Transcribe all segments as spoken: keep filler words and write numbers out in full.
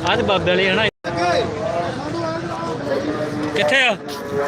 ਆਹ ਤੇ ਬਾਬੇ ਵਾਲੇ ਹਨਾ ਕਿੱਥੇ ਆ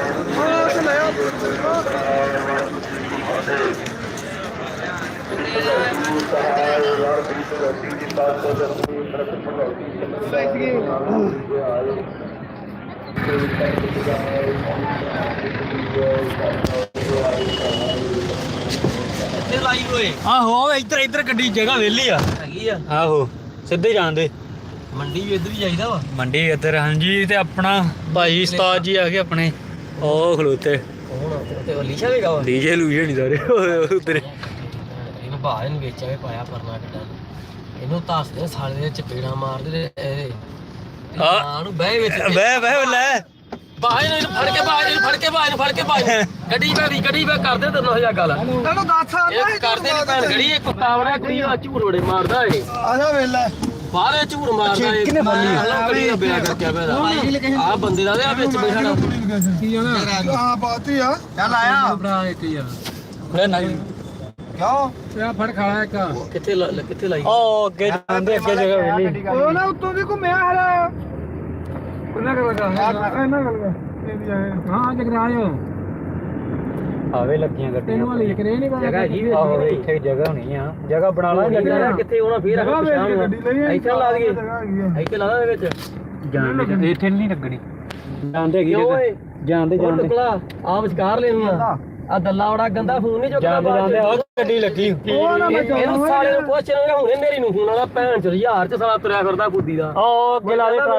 ਲਾਈ ਹੋਏ ਆਹੋ ਇੱਧਰ ਇੱਧਰ ਗੱਡੀ ਜਗ੍ਹਾ ਵਿਹਲੀ ਆ ਹੈਗੀ ਆ ਆਹੋ ਸਿੱਧੇ ਜਾਣ ਦੇ ਮੰਡੀ ਵੀ ਇੱਧਰ ਹੀ ਜਾਈਦਾ ਵਾ ਮੰਡੀ ਇੱਧਰ ਹਾਂਜੀ ਤੇ ਆਪਣਾ ਭਾਈ ਉਸਤਾਦ ਜੀ ਆ ਗਏ ਆਪਣੇ ਉਹ ਖਲੋਤੇ ਹੁਣ ਤੇ ਲੀਸ਼ਾ ਵੀ ਗਾ ਡੀਜੇ ਲੂਜੇ ਨਹੀਂ ਸਾਰੇ ਉਧਰ ਇਹਨੂੰ ਭਾਅ ਇਹਨੂੰ ਵੇਚਿਆ ਪਾਇਆ ਪਰਨਾ ਕੱਟਾ ਇਹਨੂੰ ਦੱਸਦੇ ਸਾਲੇ ਦੇ ਚਪੇੜਾਂ ਮਾਰਦੇ ਤੇ ਹਾਂ ਨੂੰ ਬਹਿ ਵਿੱਚ ਬਹਿ ਬਹਿ ਲੈ ਬਾਹਰ ਇਹਨੂੰ ਫੜ ਕੇ ਬਾਹਰ ਇਹਨੂੰ ਫੜ ਕੇ ਬਾਹਰ ਇਹਨੂੰ ਫੜ ਕੇ ਬਾਹਰ ਗੱਡੀ ਬੈਠੀ ਗੱਡੀ ਬੈ ਕਰਦੇ ਤੈਨੂੰ ਹਜ਼ਾਰ ਗੱਲ ਤੈਨੂੰ ਦੱਸ ਇਹ ਕਰਦੇ ਨਹੀਂ ਭੈਣ ਗੜੀ ਇੱਕ ਕੁੱਤਾ ਕੁੜੀ ਦਾ ਝੂੜ ਬੜੇ ਮਾਰਦਾ ਏ ਆਜਾ ਵੇਲਾ ਬਾਹਰੇ ਝੂੜ ਮਾਰਦਾ ਏ ਕਿਹਨੇ ਫੜ ਲਈ? ਗੱਡੀ ਦਾ ਬਿਆ ਕਰਕੇ ਪਿਆ ਆ ਬੰਦੇ ਦਾ ਆ ਵਿੱਚ ਬੈਠਾ ਕੀ ਜਾਣਾ ਹਾਂ ਬਾਤੀ ਆ ਚੱਲ ਆਇਆ ਭਰਾ ਇੱਕ ਯਾਰ ਲੈ ਨਾ ਕਿਉਂ ਆ ਫੜ ਖਾਲਾ ਇੱਕ ਕਿੱਥੇ ਲ- ਕਿੱਥੇ ਲਾਈ ਉਹ ਅੱਗੇ ਜਾਂਦੇ ਅੱਗੇ ਜਗ੍ਹਾ ਵਿਹਲੀ ਉਹ ਨਾ ਉੱਤੋਂ ਦੀ ਘੁੰਮਿਆ ਹਲਾ ਕਿੰਨਾ ਕਰ ਲਗਾ ਇਹਨਾਂ ਗੱਲ ਹਾਂ ਜਗਰਾਜ ਆਵੇ ਲੱਗੀਆਂ ਗੱਡੀਆਂ ਤੈਨੂੰ ਵਾਲੀ ਕਰੇ ਨਹੀਂ ਪਤਾ ਜਗ੍ਹਾ ਹੈਗੀ ਵੀ ਆਹੋ ਇੱਥੇ ਜਗ੍ਹਾ ਹੋਣੀ ਆ ਜਗ੍ਹਾ ਬਣਾ ਲਾ ਜਗ੍ਹਾ ਕਿੱਥੇ ਹੋਣਾ ਫੇਰ ਜਗ੍ਹਾ ਵੇਚ ਕੇ ਗੱਡੀ ਲਈ ਇੱਥੇ ਲਾ ਦਈਏ ਦਈਏ ਇੱਥੇ ਲਾ ਦੇ ਵਿੱਚ ਜਾਂਦੇ ਇੱਥੇ ਨਹੀਂ ਲੱਗਣੀ ਜਾਂਦੇ ਕਿਉਂ ਓਏ ਜਾਂਦੇ ਜਾਂਦੇ ਟੁਕਲਾ ਆ ਵਿਚਕਾਰ ਲੈਣੀ ਆ ਆ ਦੱਲਾ ਬੜਾ ਗੰਦਾ ਫੋਨ ਨਹੀਂ ਚੁੱਕਦਾ ਜਾਂਦੇ ਜਾਂਦੇ ਉਹ ਗੱਡੀ ਲੱਗੀ ਉਹ ਨਾ ਮੈਂ ਇਹਨੂੰ ਸਾਲੇ ਨੂੰ ਪੁੱਛ ਰਿਹਾ ਹੁਣੇ ਮੇਰੀ ਨੂੰ ਫੋਨ ਵਾਲਾ ਭੈਣ ਚ ਹਜ਼ਾਰ ਚ ਸਾਲਾ ਤੁਰਿਆ ਫਿਰਦਾ ਕੁੱਦੀ ਦਾ ਉਹ ਅੱਗੇ ਲਾ ਦੇ